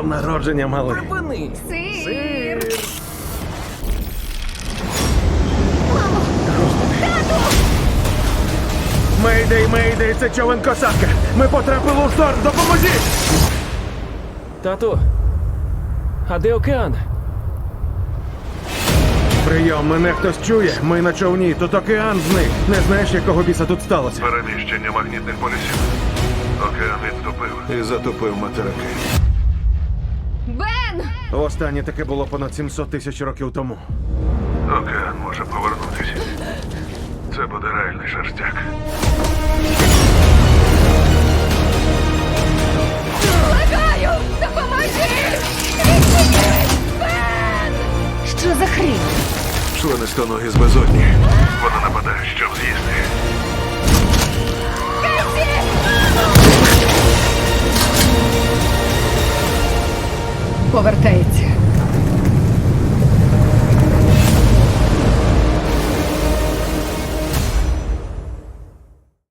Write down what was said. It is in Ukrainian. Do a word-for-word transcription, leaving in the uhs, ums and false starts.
днем народження, малий. Припини! Сир! Мейдей, мейдей, це човен косатка. Ми потрапили у шторм, допоможіть! Тату, а де океан? Прийом, мене хтось чує. Ми на човні, тут океан зник. Не знаєш, якого біса тут сталося? Переміщення магнітних полюсів. Океан відтопив і затопив материки. Бен! Останнє таке було понад сімсот тисяч років тому. Океан може повернутися. Це буде реальний шерстяк. Благаю! Допоможи! Відчиніть! Бен! Що за хрінь? Членистоногі з безодні. Вона нападає, щоб з'їсти. Повертається.